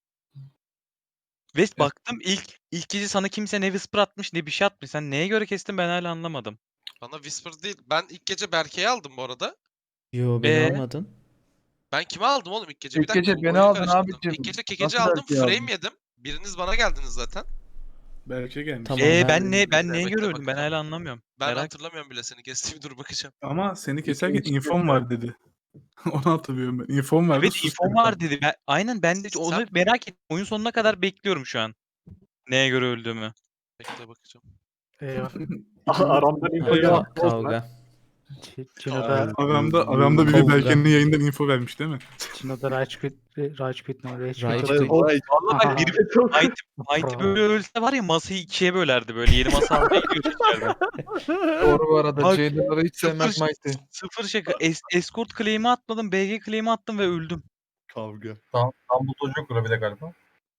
Speaker 13: Ve baktım ilk ilk gece sana kimse ne whisper atmış ne bir şey atmış. Sen neye göre kestin ben hala anlamadım.
Speaker 1: Bana Whisper değil. Ben ilk gece Berke'yi aldım bu arada.
Speaker 8: Yo beni
Speaker 13: Ee?
Speaker 8: almadın.
Speaker 1: Ben kimi aldım oğlum ilk gece?
Speaker 3: İlk
Speaker 1: Bir dakika,
Speaker 3: gece beni
Speaker 1: oyunu
Speaker 3: aldın
Speaker 1: karıştırdım.
Speaker 3: abicim.
Speaker 1: İlk gece kekeci
Speaker 3: Nasıl
Speaker 1: aldım.
Speaker 3: Berke'yi aldın?
Speaker 1: Frame yedim. Biriniz bana geldiniz zaten.
Speaker 6: Belki gelmiş.
Speaker 8: Tamam.
Speaker 13: Ee
Speaker 8: ben-
Speaker 13: ben ne ben
Speaker 1: Bekle,
Speaker 13: neye
Speaker 1: bekle
Speaker 13: göre öldüm ben
Speaker 1: bakacağım.
Speaker 13: hala anlamıyorum.
Speaker 1: Ben
Speaker 13: Merak
Speaker 1: hatırlamıyorum bile seni kestiğimi dur bakacağım.
Speaker 6: Ama seni keserken
Speaker 3: İkinci
Speaker 6: infom
Speaker 3: kez
Speaker 6: var dedi. Onu hatırlıyorum ben. Infom vardı.
Speaker 13: Evet
Speaker 6: sus
Speaker 13: infom
Speaker 6: dedi.
Speaker 13: var dedi. Ben, aynen ben de onu
Speaker 1: Sen-
Speaker 13: merak ettim. Oyun sonuna kadar bekliyorum şu an. Neye göre öldüğümü.
Speaker 1: Bekle bakacağım.
Speaker 9: Eyvah.
Speaker 7: Aramda info
Speaker 6: Eyvah.
Speaker 7: yok.
Speaker 8: Kavga.
Speaker 9: Ç- Cino'da,
Speaker 6: Aramda, aramda biri
Speaker 8: Kavga.
Speaker 6: Berke'nin yayından info vermiş değil mi?
Speaker 9: Cino'da Rage Quit, Rage Quit mi? Rage
Speaker 8: Rage
Speaker 9: Quit.
Speaker 8: Quit.
Speaker 6: Vay,
Speaker 13: Vallahi
Speaker 9: Aha.
Speaker 13: ben bir Mighty, Mighty böyle ölse var ya masayı ikiye bölerdi böyle. Yeni masa almaya gidiyordu içeride.
Speaker 3: Doğru bu arada.
Speaker 13: Bak,
Speaker 3: Jailer'ları hiç sevmez
Speaker 13: sıfır-
Speaker 3: Mighty.
Speaker 13: Sıfır şaka. Es, escort claim'i atmadım. B G claim'i attım ve öldüm.
Speaker 2: Kavga.
Speaker 7: Tam, tam bu çocuk bir de galiba.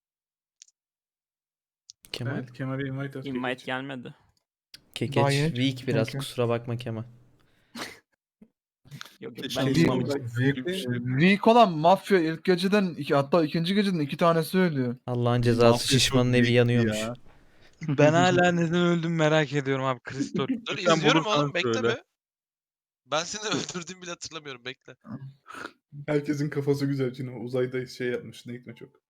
Speaker 8: Kemal.
Speaker 6: Evet, Kemal'e invite at.
Speaker 4: Invite gelmedi.
Speaker 8: Kekeç
Speaker 3: Daha yeni
Speaker 8: weak biraz
Speaker 3: çünkü.
Speaker 8: kusura bakma Kemal.
Speaker 4: Yok
Speaker 6: Şey
Speaker 4: ben
Speaker 6: diyeyim,
Speaker 4: uyumamıştım.
Speaker 6: Zevkli-
Speaker 3: Weak olan mafya ilk geceden iki, hatta ikinci geceden iki tanesi ölüyor.
Speaker 8: Allah'ın cezası
Speaker 2: Mafya
Speaker 8: şişmanın
Speaker 2: çok
Speaker 8: evi
Speaker 2: weak
Speaker 8: yanıyormuş.
Speaker 2: ya.
Speaker 13: Ben hala neden öldüm merak ediyorum abi. Kristol.
Speaker 1: Dur
Speaker 6: Lütfen
Speaker 1: izliyorum
Speaker 6: bulursan
Speaker 1: oğlum bekle
Speaker 6: söyle.
Speaker 1: be. Ben seni öldürdüğümü bile hatırlamıyorum bekle.
Speaker 6: Herkesin kafası güzel. Cino uzayda şey yapmış. Ne gitme çok.